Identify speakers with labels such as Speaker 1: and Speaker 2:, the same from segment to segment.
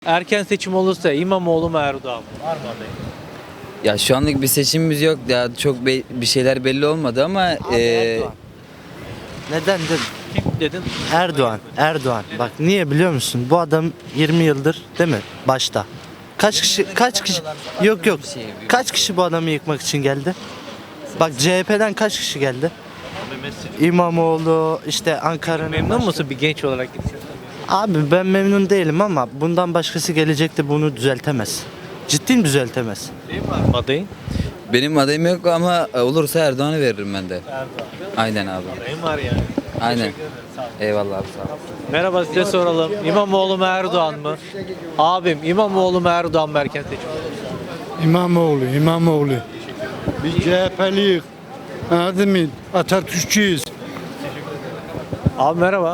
Speaker 1: Erken seçim olursa İmamoğlu mu Erdoğan mı? Var mı adayı?
Speaker 2: Ya şu anlık bir seçimimiz yok. Ya çok bir şeyler belli olmadı ama
Speaker 3: Erdoğan. Neden dedim?
Speaker 1: Kim dedin?
Speaker 3: Erdoğan. Erdoğan. Bak niye biliyor musun? Bu adam 20 yıldır değil mi? Başta. Kaç kişi yok kaç kişi bu adamı yıkmak için geldi? Bak CHP'den kaç kişi geldi? İmamoğlu işte Ankara'nın
Speaker 1: Memnun musun bir genç olarak gideceksin?
Speaker 3: Abi ben memnun değilim ama bundan başkası gelecekte bunu düzeltemez. Ciddi düzeltemez.
Speaker 1: Değil var mı adayın?
Speaker 2: benim adayım yok ama olursa Erdoğan'a veririm ben de.
Speaker 1: Erdoğan.
Speaker 2: Aynen abi.
Speaker 1: Adayın var yani.
Speaker 2: Aynen.
Speaker 1: Teşekkür ederim, sağ ol.
Speaker 2: Eyvallah abi sağ ol.
Speaker 1: Merhaba, size soralım. İmamoğlu mu Erdoğan mı? Abim İmamoğlu mu Erdoğan mı erken seçim?
Speaker 4: İmamoğlu. Biz CHP'liyiz. Anladın mı? Atatürkçüyüz.
Speaker 1: Abi merhaba.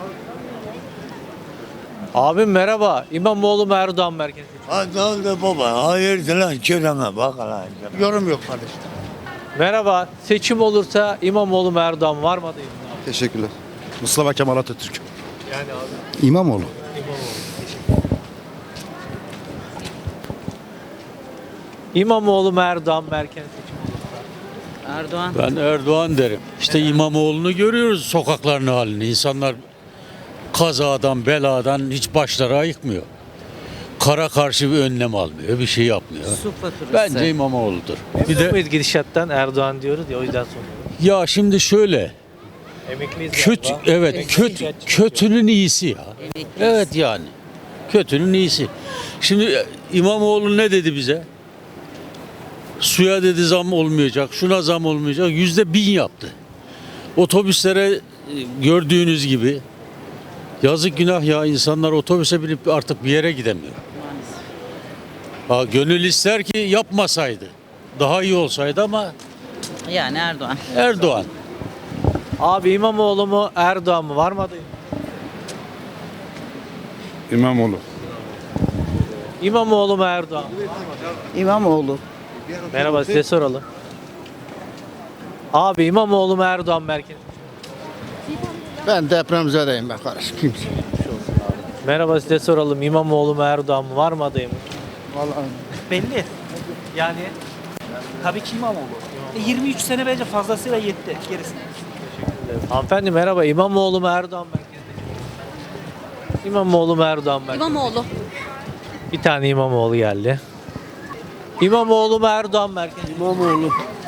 Speaker 1: Abim merhaba. İmamoğlu mu Erdoğan mı erken seçim?
Speaker 5: Ha ne oldu baba? Hayırdır lan kirana bak lan.
Speaker 4: Yorum yok kardeşim.
Speaker 1: Merhaba. Seçim olursa İmamoğlu mu Erdoğan mı? Var mı adayım?
Speaker 6: Teşekkürler. Mustafa Kemal Atatürk.
Speaker 1: Yani abi.
Speaker 6: İmamoğlu.
Speaker 1: İmamoğlu mu Erdoğan mı erken seçim?
Speaker 2: Erdoğan.
Speaker 7: Ben Erdoğan derim. İşte İmamoğlu'nu görüyoruz sokakların halini. İnsanlar kazadan, beladan hiç başları ayıkmıyor. Kara karşı bir önlem almıyor, bir şey yapmıyor.
Speaker 2: Su faturası.
Speaker 7: Bence İmamoğlu'dur. Bir
Speaker 1: Bir
Speaker 7: de
Speaker 1: de gidişattan Erdoğan diyoruz ya, o yüzden soruyorum.
Speaker 7: ya şimdi şöyle,
Speaker 1: Emekliyiz
Speaker 7: kötü
Speaker 1: galiba.
Speaker 7: evet kötünün iyisi ya. Evet yani. Kötünün iyisi. Şimdi İmamoğlu ne dedi bize? Suya dedi zam olmayacak, şuna zam olmayacak. %1000 yaptı. Otobüslere gördüğünüz gibi yazık günah ya, insanlar otobüse binip artık bir yere gidemiyor. Ha, gönül ister ki yapmasaydı. Daha iyi olsaydı ama
Speaker 2: Yani Erdoğan.
Speaker 7: Erdoğan.
Speaker 1: Abi İmamoğlu mu Erdoğan mı? Var mı adayım?
Speaker 6: İmamoğlu.
Speaker 1: İmamoğlu mu Erdoğan mı?
Speaker 8: İmamoğlu.
Speaker 1: Merhaba, size soralım. Abi İmamoğlu mu Erdoğan mı erken?
Speaker 4: Ben depremzedeyim be kardeşim. Kimse.
Speaker 1: Merhaba, size soralım. İmamoğlu mu Erdoğan mı? Var mı adayım?
Speaker 4: Vallahi
Speaker 9: Belli. Yani tabii ki İmamoğlu. 23 sene bence fazlasıyla yetti gerisi.
Speaker 1: Hanımefendi merhaba. İmamoğlu mu Erdoğan mı erken? İmamoğlu mu Erdoğan mı erken?
Speaker 10: İmamoğlu.
Speaker 1: Bir tane İmamoğlu geldi. İmamoğlu mu Erdoğan mı erken?
Speaker 4: İmamoğlu.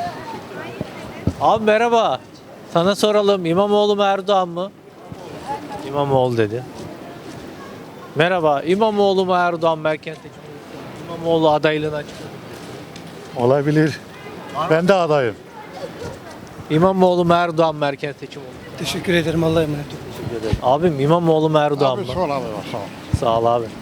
Speaker 1: Abi merhaba. Sana soralım. İmamoğlu mu Erdoğan mı? İmamoğlu dedi. Merhaba. İmamoğlu mu Erdoğan mı erken seçim? İmamoğlu adaylığını açıkladı.
Speaker 4: Olabilir. Ben de adayım.
Speaker 1: İmamoğlu mu Erdoğan mı erken seçim oldu?
Speaker 9: Teşekkür ederim, Allah'a emanet olun.
Speaker 1: Abim İmamoğlu mu Erdoğan mı?
Speaker 4: Sağ ol abi. Sağ ol.
Speaker 1: Sağ ol abi.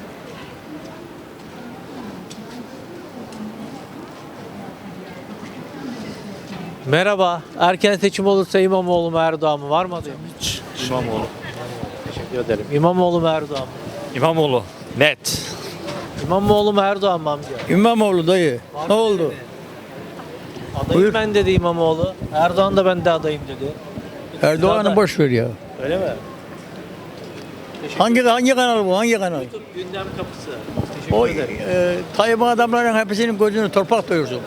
Speaker 1: Merhaba. Erken seçim olursa İmamoğlu mu Erdoğan mı? Var mı adayım?
Speaker 5: İmamoğlu.
Speaker 1: Teşekkür ederim. İmamoğlu mu Erdoğan mı?
Speaker 5: İmamoğlu. Net.
Speaker 1: İmamoğlu mu Erdoğan mı amca?
Speaker 4: İmamoğlu dayı. Ne oldu?
Speaker 1: Adayım ben dedi İmamoğlu. Erdoğan da ben de adayım dedi.
Speaker 4: Erdoğan'ı boş ver ya.
Speaker 1: Öyle mi?
Speaker 4: Hangi kanal bu? Hangi kanal?
Speaker 1: Gündem kapısı.
Speaker 4: O
Speaker 1: Teşekkür ederim.
Speaker 4: Tayyip adamların hepsinin gözünü torpak doyursun.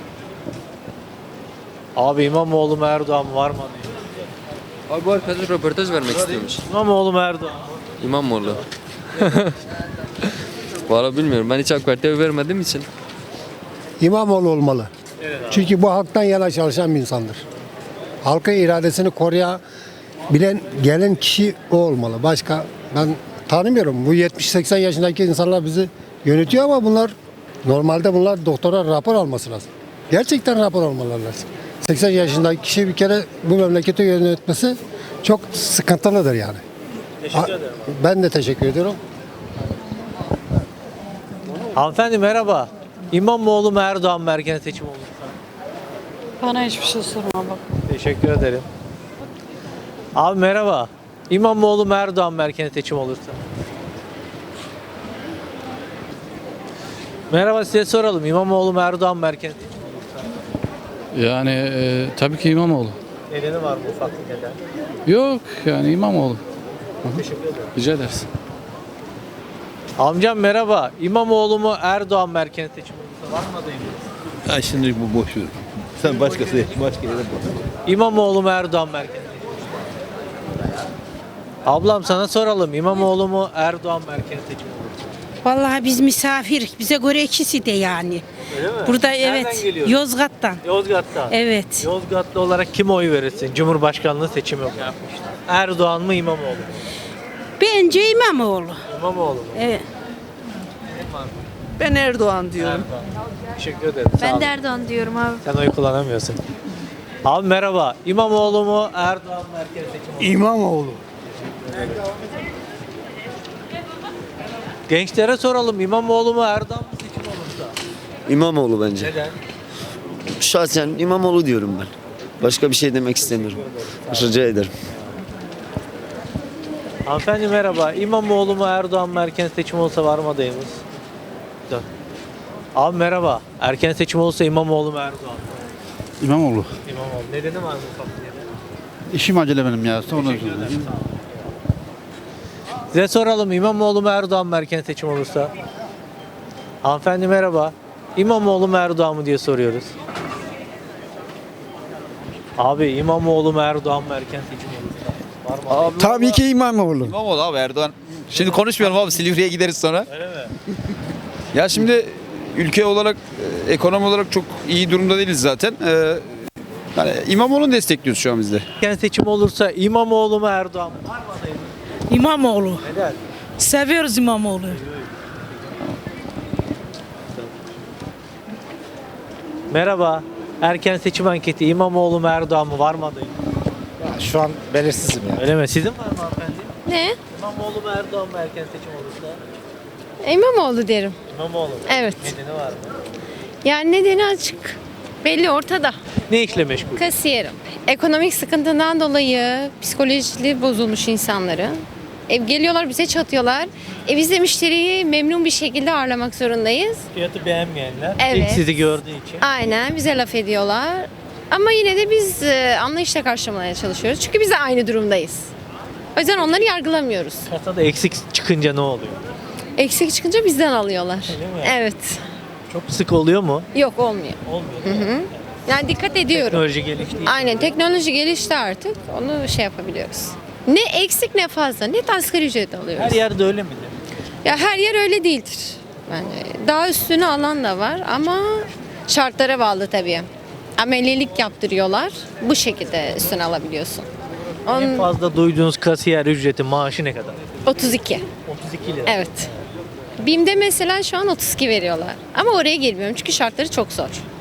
Speaker 1: Abi İmamoğlu mu Erdoğan mı? Var mı adayım?
Speaker 11: Abi bu arkadaş röportaj vermek istiyormuş.
Speaker 1: İmamoğlu mu Erdoğan mı?
Speaker 11: İmamoğlu. Valla bilmiyorum. Ben hiç AK Parti'ye vermediğim için.
Speaker 4: İmamoğlu olmalı. Çünkü bu halktan yana çalışan bir insandır. Halkın iradesini koruyabilen gelen kişi o olmalı. Başka ben tanımıyorum. Bu 70-80 yaşındaki insanlar bizi yönetiyor ama normalde bunlar doktora rapor alması lazım. Gerçekten rapor almaları lazım. 80 yaşındaki kişi bir kere bu memleketi yönetmesi çok sıkıntılıdır yani.
Speaker 1: Teşekkür ederim.
Speaker 4: Ben de teşekkür ediyorum.
Speaker 1: Hanımefendi merhaba. İmamoğlu mu Erdoğan mı erken seçim olursa?
Speaker 10: Bana hiçbir şey sorma bak.
Speaker 1: Teşekkür ederim. Abi merhaba. İmamoğlu mu Erdoğan mı erken seçim olursa? Merhaba, size soralım. İmamoğlu mu Erdoğan mı erken seçim olursa?
Speaker 7: Yani tabii ki İmamoğlu.
Speaker 1: Nedeni var mı, ufak bir neden?
Speaker 7: Yok yani İmamoğlu.
Speaker 1: Teşekkür ederim.
Speaker 7: Rica ederiz.
Speaker 1: Amcam merhaba. İmamoğlu mu Erdoğan mı erken seçim olursa var mı adayımız?
Speaker 6: Ya şimdi bu boş ver. Sen başkası başka yere bak.
Speaker 1: İmamoğlu mu Erdoğan mı erken seçim olursa? Ablam sana soralım. İmamoğlu mu Erdoğan mı erken seçim olursa?
Speaker 10: Vallahi biz misafir. Bize göre ikisi de yani.
Speaker 1: Öyle mi?
Speaker 10: Burada
Speaker 1: Nereden
Speaker 10: evet.
Speaker 1: geliyorsun?
Speaker 10: Yozgat'tan.
Speaker 1: Yozgat'tan.
Speaker 10: Evet.
Speaker 1: Yozgatlı olarak kime oy verirsin? Cumhurbaşkanlığı seçimi yapmışlar. Erdoğan mı İmamoğlu mu?
Speaker 10: Bence İmamoğlu.
Speaker 1: İmamoğlu mu?
Speaker 10: Evet.
Speaker 8: Ben Erdoğan diyorum.
Speaker 1: Erdoğan. Teşekkür ederim. Sağ olun.
Speaker 10: Erdoğan diyorum abi.
Speaker 1: Sen oy kullanamıyorsun. Abi merhaba. İmamoğlu mu Erdoğan mı erken seçim olursa?
Speaker 5: İmamoğlu.
Speaker 1: Gençlere soralım. İmamoğlu mu Erdoğan mı seçim olursa?
Speaker 12: İmamoğlu bence.
Speaker 1: Neden?
Speaker 12: Şahsen İmamoğlu diyorum ben. Başka bir şey demek istemiyorum. Rica ederim.
Speaker 1: Hanımefendi merhaba. İmamoğlu mu Erdoğan mı erken seçim olsa var mı adayımız? Dön. Abi merhaba. Erken seçim olsa İmamoğlu mu Erdoğan mı?
Speaker 6: İmamoğlu.
Speaker 1: İmamoğlu. Nedeni var mı ufak bir nedeni?
Speaker 6: İşim acele benim ya. Sonra
Speaker 1: Teşekkür ederim. Sağ olun. Size soralım. İmamoğlu mu Erdoğan mı erken seçim olursa? Hanımefendi merhaba. İmamoğlu mu Erdoğan mı diye soruyoruz. Abi İmamoğlu mu Erdoğan mı erken seçim olursa? Var mı?
Speaker 6: Abi, tabii ki İmamoğlu.
Speaker 13: İmamoğlu abi Erdoğan. Şimdi konuşmayalım abi Silivri'ye gideriz sonra.
Speaker 1: Öyle mi?
Speaker 13: Ya şimdi ülke olarak, ekonomi olarak çok iyi durumda değiliz zaten. Yani İmamoğlu'nu destekliyoruz şu an biz de.
Speaker 1: Erken seçim olursa İmamoğlu mu Erdoğan mı? Var mı adayımız?
Speaker 10: İmamoğlu.
Speaker 1: Neden?
Speaker 10: Seviyoruz İmamoğlu.
Speaker 1: Merhaba. Erken seçim anketi İmamoğlu mu Erdoğan mı? Var mı adayımız?
Speaker 6: Şu an belirsizim ya.
Speaker 1: Öyle mi? Sizin var mı hanımefendi?
Speaker 10: Ne?
Speaker 1: İmamoğlu mu Erdoğan mı erken seçim olursa?
Speaker 10: İmamoğlu derim.
Speaker 1: İmamoğlu mu?
Speaker 10: Evet.
Speaker 1: Nedeni var mı?
Speaker 10: Yani nedeni açık. Belli ortada.
Speaker 1: Ne işle meşgul?
Speaker 10: Kasiyerim. Ekonomik sıkıntından dolayı psikolojileri bozulmuş insanların. Geliyorlar bize çatıyorlar. Biz de müşteriyi memnun bir şekilde ağırlamak zorundayız.
Speaker 1: Fiyatı beğenmeyenler.
Speaker 10: Evet.
Speaker 1: İlk sizi gördüğü için.
Speaker 10: Aynen bize laf ediyorlar. Ama yine de biz anlayışla karşılamaya çalışıyoruz. Çünkü biz de aynı durumdayız. O yüzden onları yargılamıyoruz.
Speaker 1: Kasada eksik çıkınca ne oluyor?
Speaker 10: Eksik çıkınca bizden alıyorlar.
Speaker 1: Öyle mi?
Speaker 10: Evet.
Speaker 1: Çok sık oluyor mu?
Speaker 10: Yok olmuyor.
Speaker 1: Olmuyor. değil mi?
Speaker 10: Yani dikkat ediyorum.
Speaker 1: Teknoloji gelişti.
Speaker 10: Aynen teknoloji gelişti artık. Onu şey yapabiliyoruz. Ne eksik ne fazla. Net asgari ücret alıyoruz.
Speaker 1: Her yerde öyle midir?
Speaker 10: Ya her yer öyle değildir. Yani daha üstünü alan da var ama şartlara bağlı tabii. Amelilik yaptırıyorlar. Bu şekilde üstüne alabiliyorsun.
Speaker 1: En fazla duyduğunuz kasiyer ücreti maaşı ne kadar?
Speaker 10: 32.
Speaker 1: 32 lira.
Speaker 10: Evet. BİM'de mesela şu an 32 veriyorlar. Ama oraya girmiyorum çünkü şartları çok zor.